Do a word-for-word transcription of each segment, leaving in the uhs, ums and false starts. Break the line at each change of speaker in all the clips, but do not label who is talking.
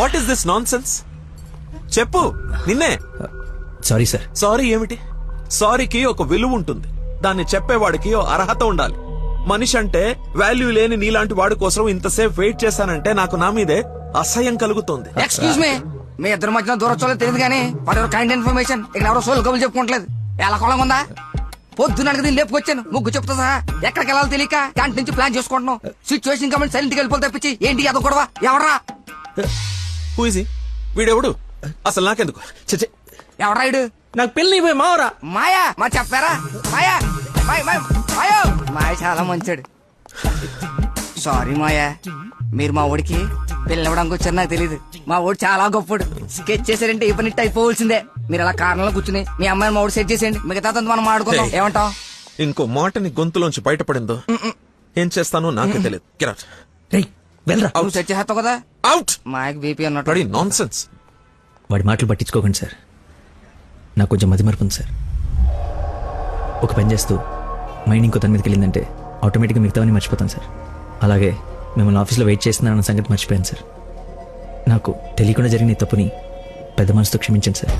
What is this nonsense? చెప్పు, నిన్నే.
Sorry sir.
Sorry ఏమిటి? సారీకి ఒక విలువ ఉంటుంది, దాన్ని చెప్పేవాడికి ఓ అర్హత ఉండాలి. మనిషి అంటే వాల్యూ లేని నీలాంటి వాడి కోసం ఇంతసేపు వెయిట్ చేశానంటే నాకు నా మీదే అసహ్యం కలుగుతోంది.
ఎక్స్క్యూజ్ మీ, మీ ఇద్దరు మధ్యన దూరం చూడలేదు తెలియదు కానీ వాట్ ఎవర్ కైండ్ ఇన్ఫర్మేషన్ ఇక్కడ ఎవరో సోల్ కబులు చెప్పుకోవట్లేదు. ఎలా కొలం ఉందా? పొద్దున దీన్ని లేపుకొచ్చాను, ముగ్గు చెప్తా సహా ఎక్కడికి వెళ్ళాలో తెలియక క్యాంటీన్ నుంచి ప్లాన్ చేసుకుంటున్నాం. సిచ్యువేషన్ కమెంట్ సైలెంట్ గా వెళ్ళిపోతే తప్పించి ఏంటి అదో గొడవ? ఎవరా
హూ ఇస్ హి? వీడెవడు అసలు? నాకెందుకు? చచ్చే,
ఎవరా ఇడు?
నాకు పెళ్లి పోయి మావరా.
మాయా మా చెప్పారా? మాయా మాయ మాయ మాయో మాయ చాలా మంచాడు. సారీ మాయా, మీరు మా ఊడికి పిల్లవడానికి వచ్చారు నాకు తెలియదు. మా ఊడు చాలా గొప్పడు. స్కెచ్ చేశారంటే ఈ పని అయిపోవలసిందే. మీరు అలా కారణంలో కూర్చుని మీ అమ్మాయిని మా ఊడు సెట్ చేసేయండి, మిగతా మనం ఆడుకుందాం. ఏమంటావ్?
ఇంకో మాటని గొంతులోంచి బయటపడిందో ఏం చేస్తానో నాకే తెలియదు.
నువ్వు సెట్ చేస్తావు కదా.
అవుట్.
మాయకు బీపీ అన్నట్టు
నాన్ సెన్స్.
వాడి మాటలు పట్టించుకోకండి సార్, నాకు కొంచెం మతి మరపు ఉంది సార్. ఒక పని చేస్తూ మైండ్ ఇంకో దాని మీదకి వెళ్ళిందంటే ఆటోమేటిక్గా మిగతావన్నీ మర్చిపోతాను సార్. అలాగే మిమ్మల్ని ఆఫీస్లో వెయిట్ చేస్తున్నానన్న సంగతి మర్చిపోయాను సార్. నాకు తెలియకుండా జరిగిన ఈ తప్పుని పెద్ద మనసుతో క్షమించండి సార్.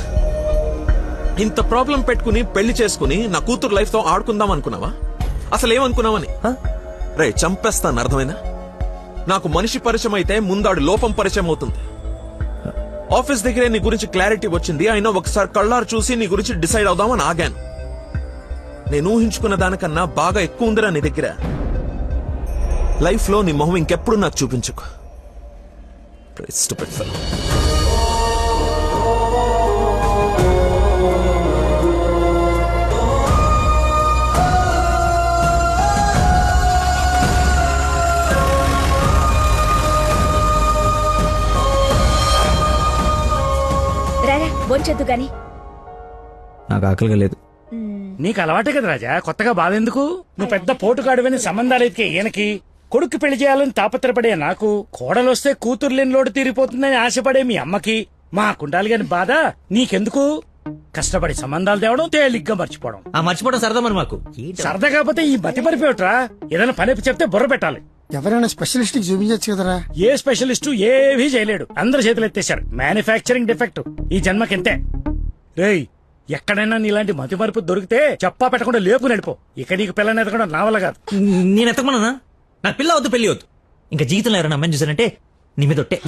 ఇంత ప్రాబ్లం పెట్టుకుని పెళ్లి చేసుకుని నా కూతురు లైఫ్ తో ఆడుకుందాం అనుకున్నావా? అసలు ఏమనుకున్నావని? రే చంపేస్తాను, అర్థమైనా? నాకు మనిషి పరిచయం అయితే ముందాడు లోపం పరిచయం అవుతుంది. ఆఫీస్ దగ్గరే నీ గురించి క్లారిటీ వచ్చింది, అయినా ఒకసారి కళ్ళారు చూసి నీ గురించి డిసైడ్ అవుదామని ఆగాను. నేను ఊహించుకున్న దానికన్నా బాగా ఎక్కువ ఉందిరా నీ దగ్గర. లైఫ్ లో నీ మొహం ఇంకెప్పుడు నాకు చూపించుకో. Stupid fellow.
రారా బొంచొద్దు గాని.
నాకు ఆకలిగా లేదు.
నీకు అలవాటే కదా రాజా, కొత్తగా బాధెందుకు? నువ్వు పెద్ద పోటుగాడువని సంబంధాలు ఎతికే ఈయనకి, కొడుకు పెళ్లి చేయాలని తాపత్రపడే నాకు, కోడలొస్తే కూతురు లేని లోటు తీరిపోతుందని ఆశపడే మీ అమ్మకి, మా కుండాలి గాని బాధ నీకెందుకు? కష్టపడి సంబంధాలు తేవడం, తేలిగ్గా మర్చిపోవడం.
ఆ మర్చిపోవడం సరదా మరి మాకు.
సరదా కాకపోతే ఈ బతి మరిపోయట్రా. ఏదైనా పని చెప్తే బుర్ర పెట్టాలి.
ఎవరైనా స్పెషలిస్ట్ కి చూపించచ్చు కదరా.
ఏ స్పెషలిస్టు ఏవీ చేయలేడు, అందరు చేతులు ఎత్తేశారు. మ్యానుఫ్యాక్చరింగ్ డిఫెక్ట్ ఈ జన్మకింతే. రేయ్, ఎక్కడైనా నీలాంటి మతి మరుపు దొరికితే చెప్పా పెట్టకుండా లేపు నడిపో. ఇక నీకు పిల్లని ఎదగడం నా వల్ల కాదు.
నేను ఎత్తకమన్నా? నాకు పిల్ల వద్దు, పెళ్లి వద్దు. ఇంకా జీవితంలో ఎవరైనా అమ్మాయిని చూసానంటే నీ మీద ఒట్టే.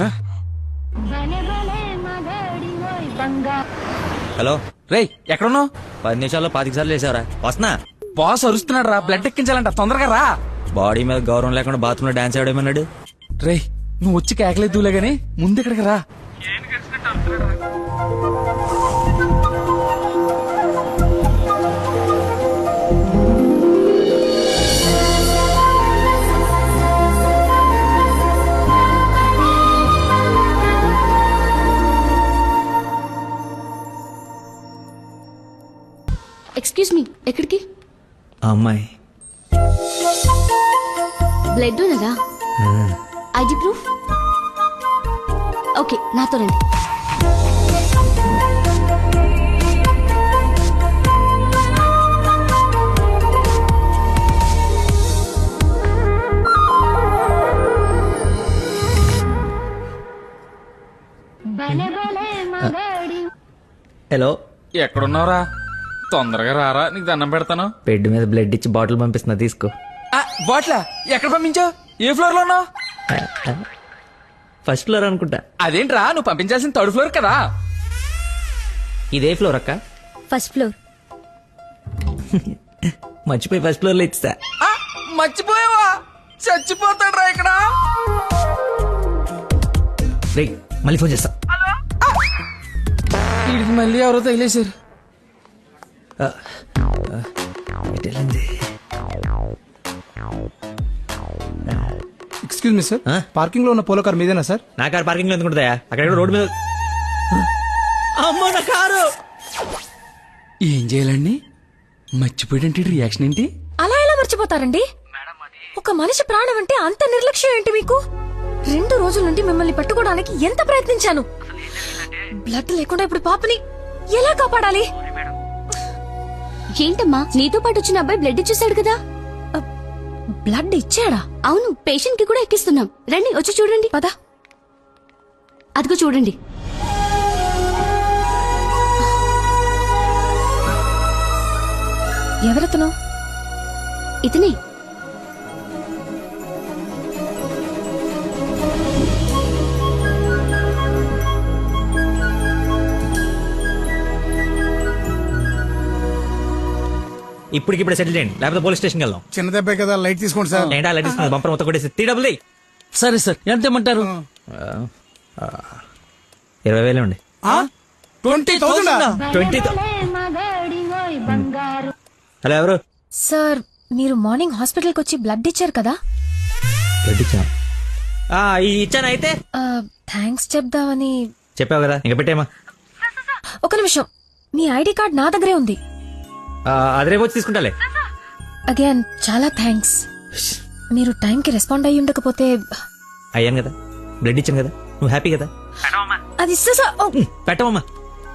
హలో
రేయ్, ఎక్కడున్నావు?
పది నిమిషాల్లో పాతిక సార్లు వేసావరా? వస్తున్నా.
బాస్ అరుస్తున్నాడు రా, బ్లడ్ ఎక్కించాలంట, తొందరగా రా.
బాడీ మీద గౌరవం లేకుండా బాత్రూమ్ లో డాన్స్ ఆడేమన్నాడు.
రేయ్, నువ్వు వచ్చి కేకలేదులే గానీ ముందు ఇక్కడికి రా.
ఎక్స్క్యూజ్ మీ, ఎక్కడికి?
ఆ అమ్మాయి
బ్లడ్ ఉన్నదా? ID proof? ఓకే, నాతో రండి.
హలో,
ఎక్కడున్నావురా? తొందరగా రారా, నీకు దండం పెడతాను.
బెడ్ మీద బ్లడ్ ఇచ్చి బాటిల్ పంపిస్తున్నా, తీసుకో.
బాట్లా ఎక్కడ పంపించావు? ఏ ఫ్లోర్ లో ఉన్నావు?
ఫస్ట్ ఫ్లోర్ అనుకుంటా.
అదేంట్రా, నువ్వు పంపించాల్సిన థర్డ్ ఫ్లోర్ కదా.
ఇదే ఫ్లోర్ అక్క?
First floor.
మర్చిపోయి ఫస్ట్ ఫ్లోర్ లో ఇచ్చా.
మర్చిపోయావా? చచ్చిపోతాడ్రా ఇక్కడ.
రే, మళ్ళీ ఫోన్ చేస్తా.
వీడికి మళ్ళీ ఎవరో తగిలేశారు.
ఎక్స్క్యూజ్ మీ సార్, పార్కింగ్ లో ఉన్న పోలో కార్ మీదేనా సార్?
నా కారు పార్కింగ్ లో ఎందుకుంటుందా? అక్కడ రోడ్డు మీద. అమ్మో నా కారు!
ఏం చేయాలండి? మర్చిపోయాడంటే రియాక్షన్ ఏంటి?
అలా ఎలా మర్చిపోతారండి? ఒక మనిషి ప్రాణం అంటే అంత నిర్లక్ష్యం ఏంటి మీకు? రెండు రోజుల నుండి మిమ్మల్ని పట్టుకోవడానికి ఎంత ప్రయత్నించాను. బ్లడ్ లేకుండా ఇప్పుడు పాపని ఎలా కాపాడాలి? ఏంటమ్మా, నీతో పాటు వచ్చిన అబ్బాయి బ్లడ్ ఇచ్చేసాడు కదా. బ్లడ్ ఇచ్చాడా? అవును, పేషెంట్ కి కూడా ఎక్కిస్తున్నాం. రండి, వచ్చి చూడండి. పదా.
అదిగో చూడండి.
ఎవరతను?
ఇతనే.
ఇప్పటికిప్పుడు సెటిల్ చేయండి, లేకపోతే పోలీస్ స్టేషన్కి వెళ్దాం.
చిన్న దెబ్బే కదా, లైట్ తీసుకోండి సార్.
ఏంటా అలా తీసుకుని బంపర్ మొత్తం కొట్టేసి త్రీ డబుల్
సరే సార్, ఎంత ఇమ్మంటారు?
ఇరవై వేలే ఉండి.
ట్వంటీ థౌసండ్
ట్వంటీ హలో, ఎవరు?
సార్ మీరు మార్నింగ్ హాస్పిటల్కి వచ్చి బ్లడ్ ఇచ్చారు కదా?
బ్లడ్ ఇచ్చాను. ఆ, ఈ ఇచ్చాను అయితే
థ్యాంక్స్ చెప్దామని.
చెప్పావు కదా, ఇంకా పెట్టేమా.
ఒక నిమిషం, మీ ఐడి కార్డ్ నా దగ్గరే ఉంది.
అది రేపు వచ్చి తీసుకుంటాలే.
అగైన్ చాలా థ్యాంక్స్. మీరు టైంకి రెస్పాండ్ అయ్యి ఉండకపోతే.
అయ్యాను కదా, బ్లడ్ ఇచ్చాను కదా, నువ్వు హ్యాపీ కదా.
అది ఇస్తా సార్. ఓ,
పెట్టమమ్మా.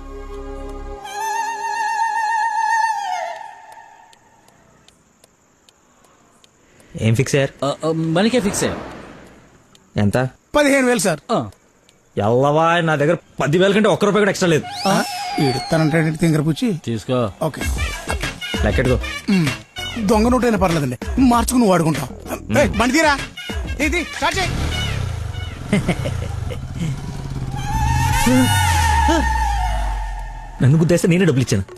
ఏం ఫిక్స్ అయ్యారు?
మనకే ఫిక్స్ అయ్యా.
ఎంత?
పదిహేను వేలు సార్.
ఎల్లవా, నా దగ్గర పదివేల కంటే ఒక్క రూపాయి కూడా ఎక్స్ట్రా లేదు.
ఇడతానంటే తింగర పుచ్చి.
తీసుకో.
ఓకే,
లెక్కెట్టుకో.
దొంగ నోటైనా పర్లేదండి, మార్చుకుని నువ్వు వాడుకుంటావు. ఏయ్, బండి తీరా. ఇది స్టార్ట్ చేయి.
నన్ను గుద్దేస్తే నేనే డబ్బులు ఇచ్చాను.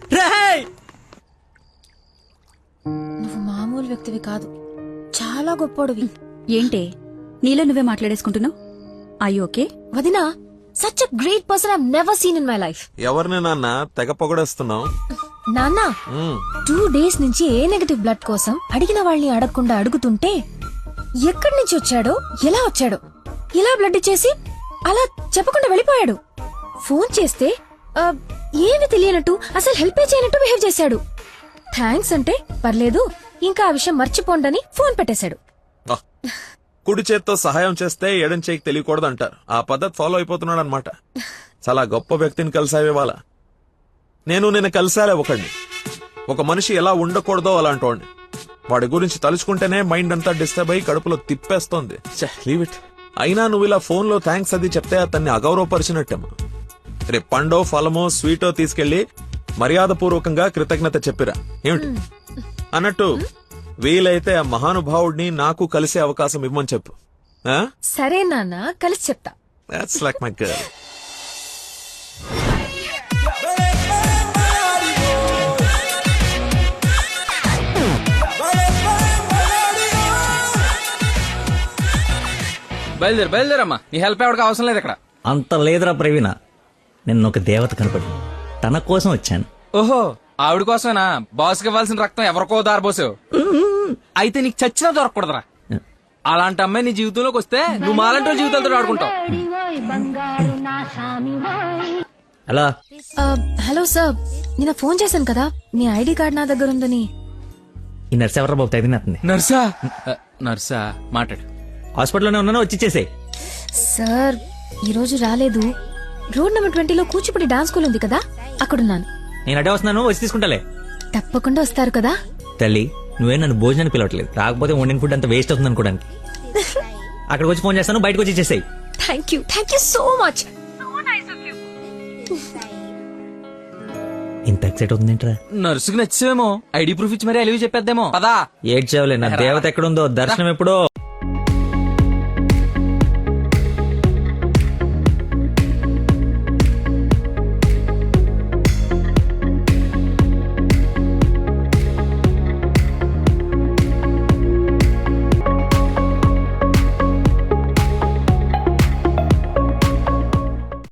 నువ్వు మామూలు వ్యక్తివి కాదు, చాలా గొప్పోడివి.
ఏంటే నీలో నువ్వే మాట్లాడేసుకుంటున్నావు? I okay?
వదినా, such a great person I never seen in my life.
ఎవరిని నాన్న తెగ పొగడేస్తున్నావు?
నాన్న, టూ డేస్ నుంచి ఏ నెగటివ్ బ్లడ్ కోసం అడిగిన వాళ్ళని అడగకుండా అడుగుతుంటే ఎక్కడి నుంచి వచ్చాడో, ఎలా వచ్చాడో, ఇలా బ్లడ్ ఇచ్చేసి అలా చెప్పకుండా వెళ్ళిపోయాడు. ఫోన్ చేస్తే ఆ, ఏమి తెలియనట్టు, అసలు హెల్ప్ చేయనట్టు బిహేవ్ చేశాడు. థ్యాంక్స్ అంటే పర్లేదు, ఇంకా ఆ విషయం మర్చిపోండని ఫోన్ పెట్టేశాడు.
ఆ, కుడి చేత్తో సహాయం చేస్తే ఎడం చేయికి తెలియకూడదు అంటారు. ఆ పద్ధతి ఫాలో అయిపోతున్నాడు అనమాట. చాలా గొప్ప వ్యక్తిని కలిసావే వాళ్ళ. నేను నిన్న కలిసాలే ఒకడిని. ఒక మనిషి ఎలా ఉండకూడదో అలాంటి వాడిని. వాడి గురించి తలుచుకుంటేనే మైండ్ అంతా డిస్టర్బ్ అయ్యి కడుపులో తిప్పేస్తోంది. Leave it. అయినా నువ్వు ఇలా ఫోన్ లో థ్యాంక్స్ అది చెప్తే అతన్ని అగౌరవపరిచినట్టేమో. రేపు పండో ఫలమో స్వీటో తీసుకెళ్లి మర్యాదపూర్వకంగా కృతజ్ఞత చెప్పిరా. ఏమిటి అన్నట్టు వీలైతే ఆ మహానుభావుడిని నాకు కలిసే అవకాశం ఇవ్వమని చెప్పు.
సరే నాన్న, కలిసి చెప్తా.
That's like my girl.
బయలుదేరు బయలుదేరమ్మా, నీ హెల్ప్ ఎవరికి అవసరం లేదు ఇక్కడ.
అంత లేదురా ప్రవీణ, నిన్న ఒక దేవత కనపడి తన కోసం వచ్చాను.
ఓహో, ఆవిడ కోసమేనా బాస్కి ఇవ్వాల్సిన రక్తం ఎవరికో దారబోసావు? అయితే నీకు చచ్చినా దొరకకూడదురా. అలాంటి అమ్మాయి నీ జీవితంలోకి వస్తే నువ్వు మాలంటి వాళ్ళ జీవితాలతో ఆడుకుంటావు.
అలా
ఆ, హలో సార్, నిన్న ఫోన్ చేశాను కదా, మీ ఐడి కార్డ్ నా దగ్గర ఉందని.
ఈ నర్స్ ఎవరా బాబు తగినట్టుంది.
నర్సా? ఆ, నర్సా మాట్లాడు.
హాస్పిటల్లోనే ఉన్నాను, వచ్చి ఇచ్చేసేయ్.
సార్ ఈ రోజు రాలేదు. రోడ్ నెంబర్ ట్వంటీలో కూచిపూడి డాన్స్ స్కూల్ ఉంది కదా, అక్కడున్నాను.
నేను అడే వస్తున్నాను, వచ్చి తీసుకుంటాలే.
తప్పకుండా వస్తారు కదా.
తల్లి, నువ్వే నన్ను భోజనాన్ని పిలవట్లేదు, రాకపోతే వండిన ఫుడ్ అంత వేస్ట్ అవుతుంది అనుకోడానికి. అక్కడికి వచ్చి ఫోన్ చేస్తాను, బయటకు వచ్చి ఇచ్చేసేయ్.
Thank you, thank you so much.
ఇంత ఎక్సైట్ అవుతుందేంట్రా?
నర్సుకి నచ్చేమో ఐడి ప్రూఫ్ ఇచ్చి మరీ అలివి చెప్పేద్దేమో. పదా
ఏడ్చావులే, నా దేవత ఎక్కడుందో, దర్శనం ఎప్పుడో.